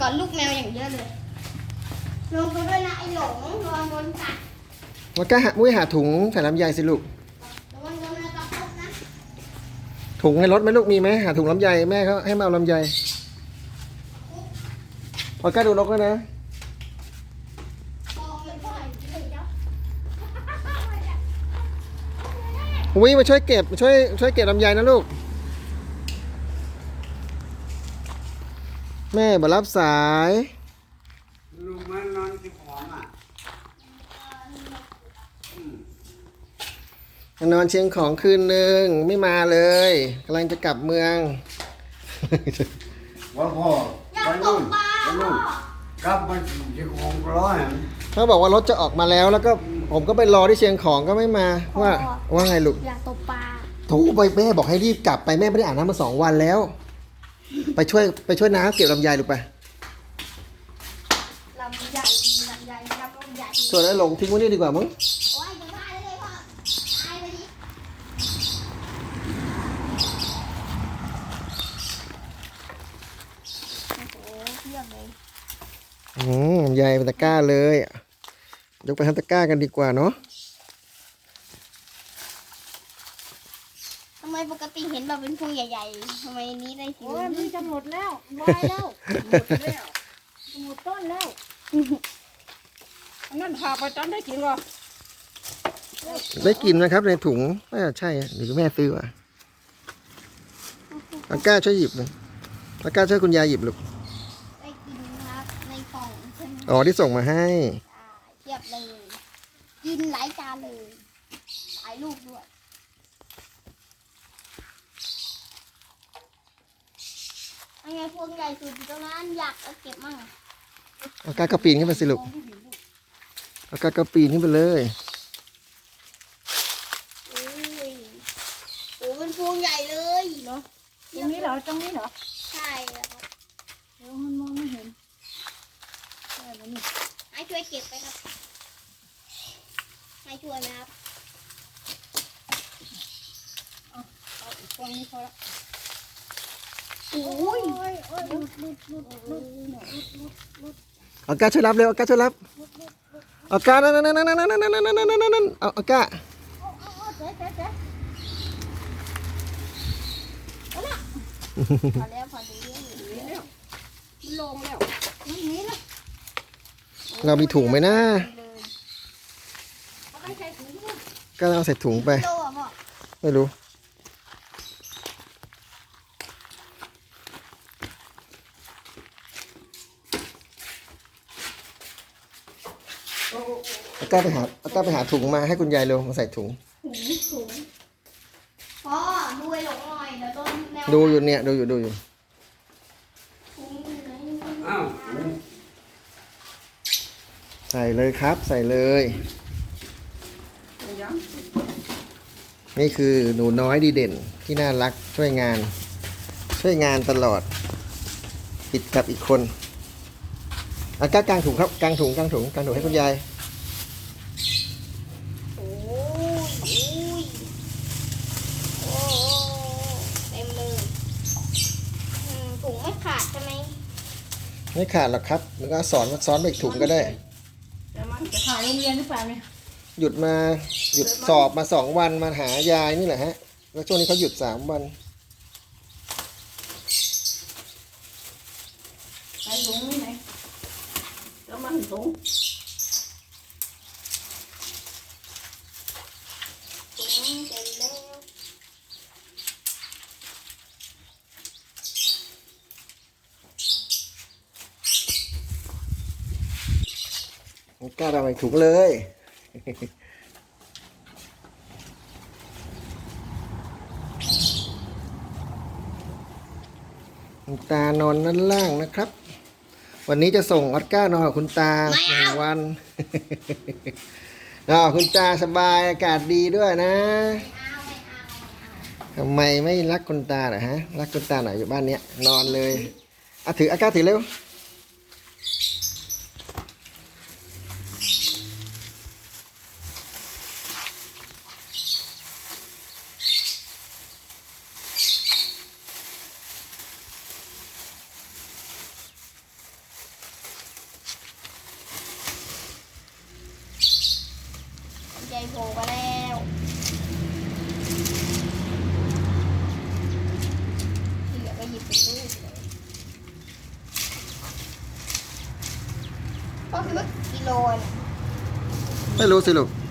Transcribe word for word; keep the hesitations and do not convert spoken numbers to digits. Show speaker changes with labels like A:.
A: อนลูกแมวอย่างเยอะเลยลงไปด้วยนะไอ้หลงระวังโดนกัด
B: มันก็หามุ้ยหาถุงใส่ลำไยสิลูก
A: ระวังโดนกระทบนะ
B: ถุงในรถไหมลูกมีไหมหาถุงลำไยแม่เขาให้มาเอาลำไยพอก้าดูนกแล้วนะมุ้ยมาช่วยเก็บช่วยช่วยเก็บลำไยนะลูกแม่มารับสาย
C: ลุงมันนอนที่ของอ่ะ
B: นอนเชียงของคืนหนึ่งไม่มาเลยกำลังจะกลับเมือง
C: ว่าพ่อไปนู่นไปนู่นกลับมาที่ของร้อย
B: เขาบอกว่ารถจะออกมาแล้วแล้วก็ผมก็ไปรอที่เชียงของก็ไม่มาว่าว่าไงลูก
A: อยากตกปลา
B: โถไปแม่บอกให้รีบกลับไปแม่ไม่ได้อาบน้ำมาสองวันแล้วไปช่วยไปช่วยน้าเก็บลำไยลูกไป
A: ลำใหญ่ลำใหญ่ลำใหญ่
B: ส่วนไอ้หลงทิ้งไว้นี่ดีกว่ามั้ง
A: โอ้ยจะบ้าเลยพ่อตายไปดิโอ้โหเที่ยงเลย
B: อืมลำไยเป็นตะกร้าเลยยกไปทำตะกร้ากันดีกว่าเนาะ
A: ทำไมปกติเห็นแบบเป็นพวงใหญ่ๆทำไมนี้ได้สี
D: โอ้ยมันจะหมดแล้ววายแล้วหมดแล้วหมดต้นแล้วอันนั้นหาไปจนได้กินก่อน
B: ได้กินนะครับในถุงน่าจะใช่หรือแม่ซื้อวะตะกร้าช่วยหยิบเลยตะกร้าช่วยคุณยายหยิบลูก
A: ได้กินครับในกล่องใช่ไหม
B: อ๋อที่ส่งมาให้
A: เทียบเลยกินหลายจานเลยหลายลูกด้วยยังไงพวงใหญ่สุดอยู่ตรงนั้นอยากเอาเก็บมั่ง
B: เอากากระปีนขึ้นไปสิลูกเอากากระปีนขึ้นไปเลย
A: โอ้ยโอ้เป็นพวงใหญ่เลยเนาะ
D: ตรงนี้เหรอตรงนี้เหรอ
A: ใช่แล้วครับ
D: เดี๋ยวมันมองไม่เห็นใช่แล้วนี่
A: ให้ช่วยเก็บไปครับให้ช่วยไหมครับ
D: เอาเอาอีกฟองนี้พอละ
A: โอ้ย
D: ลุดลุดลุดลุดลุด
B: เอากาช่วยรับเร็วเอากาช่วยรับเอากานั่นนั่นนั่นนั่นนั่นนั่นนั่นนั่นนั่นเอาเอากา
D: เจ๊เจ๊เจ๊
A: พอแล้วพอดี
D: แล้วลงแล้วนี่นี่ละ
B: เรามีถุงไหมนะ
D: เอาไปใส่ถุงด้วย
B: ก็เอาใส่ถุงไป
A: โตอ่ะพ่อ
B: ไม่รู้เอาก้าไปหาเอาก้าไปหาถุงมาให้คุณยายเร็วมาใส่ถุง
A: ถุงถุงพ่อดูไอ้หลงหน่อยเดี๋ยวต้นแนว
B: ดูอยู่เนี่ยดูอยู่ดูอยู่
C: อ้าว
B: ใส่เลยครับใส่เลยนี่คือหนูน้อยดีเด่นที่น่ารักช่วยงานช่วยงานตลอดติดกับอีกคนเอาก้ากางถุงครับกางถุงกางถุงกางถุงให้คุณยาย
A: โอ้ยโอ้เต็มเลยถุงไม่ขาดใช่ไหม
B: ไม่ขาดหรอกครับแล้วก็สอนซ้อนไปอีกถุงก็ได้
D: แต่มันจะขายโรงเรียนหรือเปล่าเนี่ย
B: หยุดมาหยุดสอบมาสองวันมาหายายนี่แหละฮะแล้วช่วงนี้เขาหยุดสามวัน
D: ใส่ถุงนี่ไหนแล้วมันถุง
A: ถุงเต็มแล้ว
B: กล้าทำอะไรถุงเลย คุณตานอนด้านล่างนะครับ วันนี้จะส่งออสการ์นอนกับคุณตาหนึ่งวันอ๋อคุณตาสบายอากาศดีด้วยนะทำไมไม่รักคุณตาเหรอฮะรักคุณตาหน่อยอยู่บ้านเนี้ยนอนเลยอ่ะถืออากาศถือเร็ว
A: พ่อคิดว่ากิโลเนี่ย
B: ไม่รู้สิลูก